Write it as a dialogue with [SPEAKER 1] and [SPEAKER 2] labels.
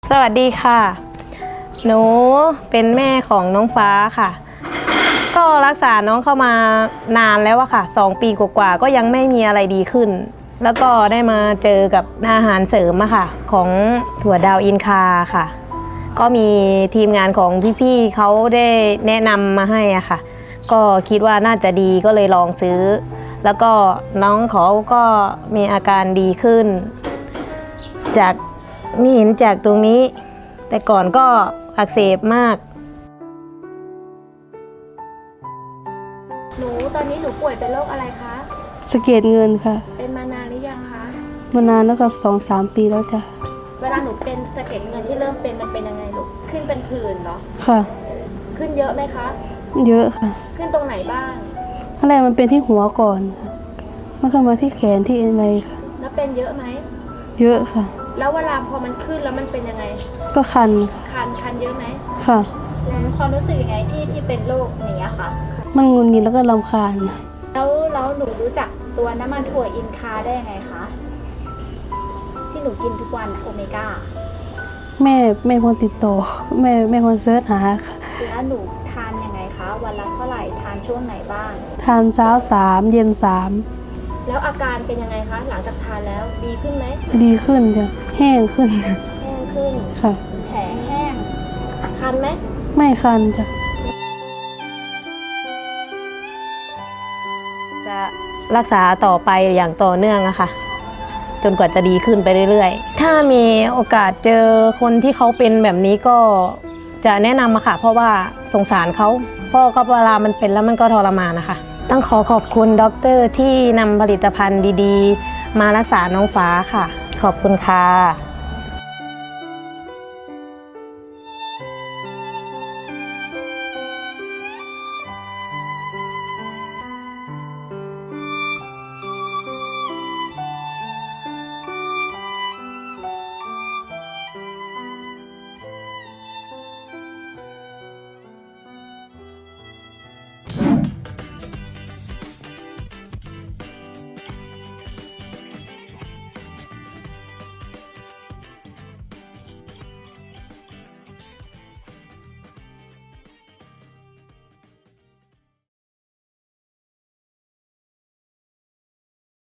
[SPEAKER 1] สวัสดีค่ะหนูเป็นแม่ของน้องฟ้าค่ะก็รักษาน้องเข้ามานานแล้วอะค่ะ2 ปีกว่าๆก็ยังไม่มีอะไรดีขึ้นแล้วก็ได้มาเจอกับอาหารเสริมอะค่ะของถั่วดาวอินคาค่ะก็มีทีมงานของพี่ๆเขาได้แนะนำมาให้อะค่ะก็คิดว่าน่าจะดีก็เลยลองซื้อแล้วก็น้องเขาก็มีอาการดีขึ้นจากนี่เห็นจากตรงนี้แต่ก่อนก็อักเสบมาก
[SPEAKER 2] หนูตอนนี้หนูป่วยเป็นโรคอะไรคะ
[SPEAKER 3] สะเก็ดเงินค่ะ
[SPEAKER 2] เป็นมานานหรือยังคะ
[SPEAKER 3] มานานแล้วก็2-3 ปีแล้วจ้ะ
[SPEAKER 2] เวลาหนูเป็นสะเก็ดเงินที่เริ่มเป็นมันเป็นยังไงลูกขึ้นเป็นผื่นเหรอ
[SPEAKER 3] ค่ะ
[SPEAKER 2] ขึ้นเยอะไหมคะ
[SPEAKER 3] เยอะค่ะ
[SPEAKER 2] ขึ้นตรงไหนบ้าง
[SPEAKER 3] ขั้นแรกมันเป็นที่หัวก่อนค่ะมันก็มาที่แขนที่อะไรค่ะ
[SPEAKER 2] แล้วเป็นเยอะไหม
[SPEAKER 3] เยอะค่ะ
[SPEAKER 2] แล้วเวลาพอมันขึ้นแล้วมันเป็นยังไง
[SPEAKER 3] ก็คัน
[SPEAKER 2] คันเยอะไหม
[SPEAKER 3] ค่ะ
[SPEAKER 2] ความรู้สึกยังไงที่เป็นโรคนี้อะค่ะ
[SPEAKER 3] มันงุนงิดแล้วก็รำคาญ
[SPEAKER 2] แล้วหนูรู้จักตัวน้ำมันถั่วอินคาได้ยังไงคะที่หนูกินทุกวันโอเมก้า
[SPEAKER 3] แม่คนติดต่อแม่คนเสิร์ชหาค่ะ
[SPEAKER 2] แล้วหนูทานยังไงคะวันละเท่าไหร่ทานช่วงไหนบ้าง
[SPEAKER 3] ทานเช้า3เย็น3
[SPEAKER 2] แล้วอาการเป็นยังไงคะหลังจากทานแล้วดีขึ้นไหม
[SPEAKER 3] ดีขึ้นจ้ะแห้งขึ้นค่ะ
[SPEAKER 2] แผลแห้งคันไหม
[SPEAKER 3] ไม่คันจ้ะ
[SPEAKER 1] จะรักษาต่อไปอย่างต่อเนื่องอะค่ะจนกว่าจะดีขึ้นไปเรื่อยๆถ้ามีโอกาสเจอคนที่เขาเป็นแบบนี้ก็จะแนะนำอะค่ะเพราะว่าสงสารเขาเพราะก็เวลามันเป็นแล้วมันก็ทรมานนะคะต้องขอบคุณด็อกเตอร์ที่นำผลิตภัณฑ์ดีๆมารักษาน้องฟ้าค่ะขอบคุณค่ะ